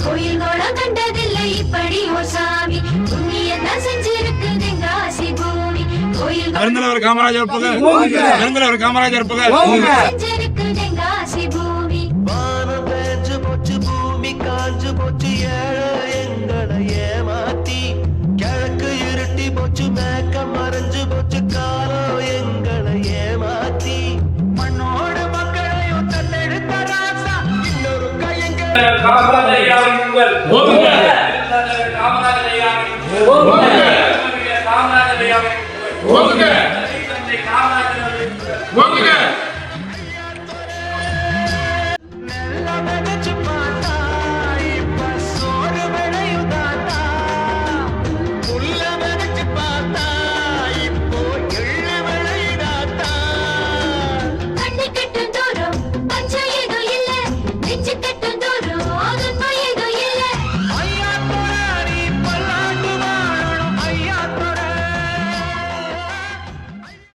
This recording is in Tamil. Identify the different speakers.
Speaker 1: கோயில் கோலம் கண்டதில்லை இப்படி ஓ சாமி புண்ணியத்தான் செஞ்சிருக்குது எங்க ஆசி பூமி கோயில்
Speaker 2: பெருந்தலைவர் காமராஜர் புகழ் பெருந்தலைவர் காமராஜர் புகழ்
Speaker 1: செஞ்சிருக்குது எங்க ஆசி பூமி
Speaker 3: வானம் பேஞ்சு போச்சு பூமி காஞ்சு போச்சு ஏழை எங்களை ஏமாத்தி கிழக்கு இருட்டி போச்சு மேக்க மறைஞ்சு போச்சு காலம் எங்களை ஏமாத்தி மண்ணோடு மக்களையும் தன்னெடுத்த ராசா இன்னொரு கையங்க
Speaker 4: காமராஜர்